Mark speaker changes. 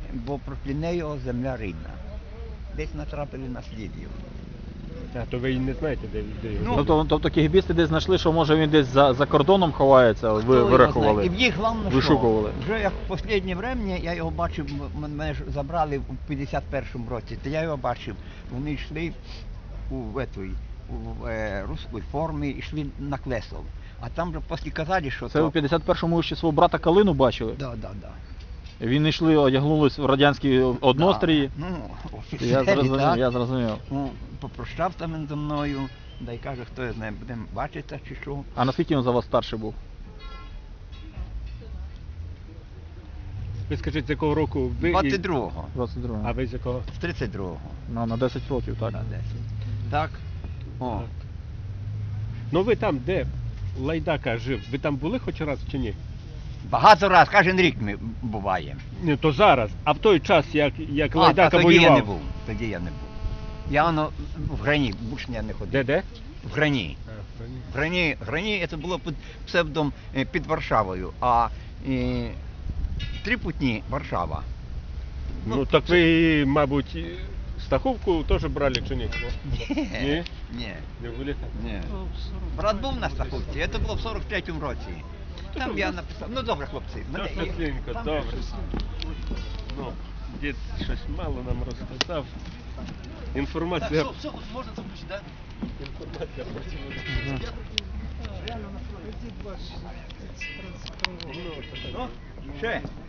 Speaker 1: бо проти неї земля рідна. Десь натрапили на слід його.
Speaker 2: А то ви і не знаєте, де його?
Speaker 3: Тобто кігібісти десь знайшли, що може він десь за кордоном ховається, ви
Speaker 1: Хто його
Speaker 3: вирахували?
Speaker 1: знає? І в їх головне,
Speaker 3: Вишукували.
Speaker 1: що вже як в останнє врем'я я його бачив, мене ж забрали в 51-му році, то я його бачив. Вони йшли у руській формі, йшли на Клесов. А там вже після казали, що
Speaker 3: Це у 51-му ще свого брата Калину бачили?
Speaker 1: Да.
Speaker 3: Він йшли, одягнулись в радянські однострії.
Speaker 1: Да. Ну,
Speaker 3: Я
Speaker 1: офіцери,
Speaker 3: зрозумів,
Speaker 1: так.
Speaker 3: я зрозумів.
Speaker 1: Ну, попрощався він зі мною, да й каже, хто я знає, будемо бачитися чи що.
Speaker 3: А наскільки він за вас старший був?
Speaker 2: Ви скажіть, з якого року ви?
Speaker 1: 22-го.
Speaker 3: 22-го.
Speaker 2: А ви з якого?
Speaker 1: З 32-го.
Speaker 3: Ну, на 10 років, так.
Speaker 1: На 10. Так. О.
Speaker 2: Ну ви там, де Лайдака жив, ви там були хоч раз чи ні?
Speaker 1: Багато раз, кожен рік ми буваємо.
Speaker 2: Ні, то зараз. А в той час, як Лайдака
Speaker 1: тоді
Speaker 2: воював?
Speaker 1: я не був. Тоді я не був. Я воно в Грані, більше я не ходив.
Speaker 2: Де?
Speaker 1: В Грані. Грані це було під псевдом під Варшавою, а Трипутні Варшава.
Speaker 2: Ну так ви, мабуть, Стаховку теж брали чи ні? Ні?
Speaker 1: Ні.
Speaker 2: Не були?
Speaker 1: Ні. Брат був на Стаховці, це було в 43-му році. Там я написав, ну добре, хлопці. мене є.
Speaker 2: Світленько,
Speaker 1: Там
Speaker 2: добре.
Speaker 1: щось.
Speaker 2: Ну, дід щось мало нам розказав. Інформація...
Speaker 4: Все, можна заключити, так?
Speaker 2: Інформація
Speaker 1: Ну, ще.